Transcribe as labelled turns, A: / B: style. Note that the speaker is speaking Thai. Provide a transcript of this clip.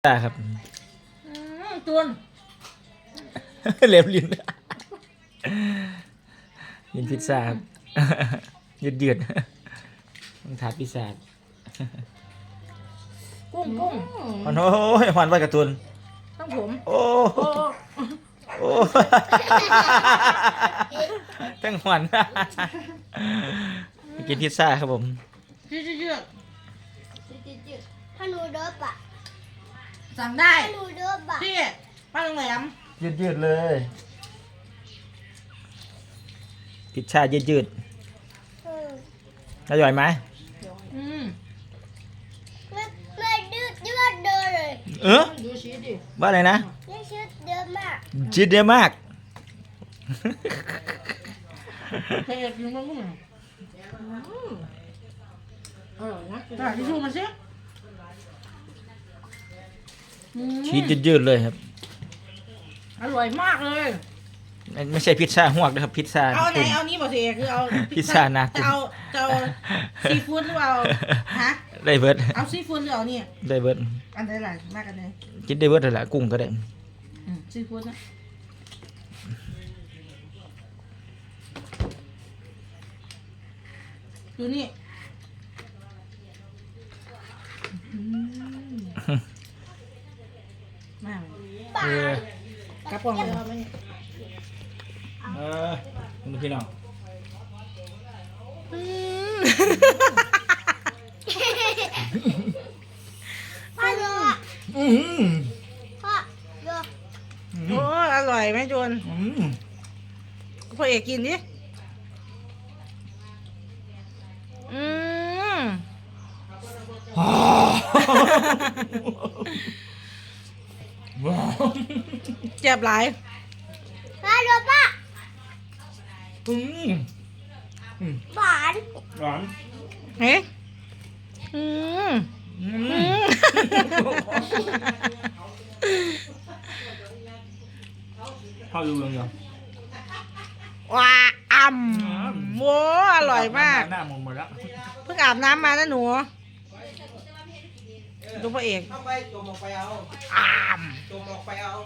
A: ครับ
B: จุน
A: เล็บลิ้นลิ้นพิซซ่าครับยืดมันถาดพิซซ่า
B: กุ้ง
A: มันโอ้ยหวานไว้การ์ตูน
B: ต้องผม
A: โอ้
B: โอ้
A: โอ้ตั้งหวานกินพิซซ่าครับผม
B: ยืด
C: ถ้าหนูเดิบอ่ะ
B: สั่งได้
C: ถ้าหนูเดิบอ่ะ
B: ที่ป้าโรงแรม
A: ยืดเลยพิซซ่ายืดอร่อยไหม
C: ไม่ดื้อเยอะเดินเลย
B: ดูชีสดิ
A: ว่าอะไรนะ
C: นี่ชื่อเดิมมาก
A: ยืดเยอะมาก
B: เผ็ดอยู่มั้งกุ้งอร่อยนะทิชชู่มาสิ
A: ชีสยืดเลยครับ
B: อร่อยมากเลย
A: ไม่ใช่พิซซ่าหวกนะครับพิซซ่า
B: เอาไหนเอานี้บอกสิคือเอา
A: พิซซ่านะ
B: จะเอาซีฟู้ดหรือเอาฮะ
A: ได้เบิร์ด
B: เอาซีฟู้ดหรือเอานี่
A: ได้เบิร์ด
B: อันไหนหลายมากกันไหน
A: กินได้เบิร์ดเลยแหละกุ้งก็ได้
B: ซีฟู้ดนะดูนี่มาก
A: เออก
B: ระป๋องเลย
A: คุณพี่น้อง
C: พ่อดูอ่ะพ่อดู
B: โอ้อร่อยไหมจูนพ่อเอกกินดิเจ็บหลาย
C: พ่อดูป่ะหวาน
A: หวาน
B: เฮ้
A: ข้าวดูยัง
B: ว้าโว้อร่อยมาก
A: หน้ามองหมดแล้ว
B: เพิ่งอาบน้ำมานะหนู ดูพ่อเอก
D: เข้าไปจมออกไปเอา
B: อ้าม
D: จมออกไปเอา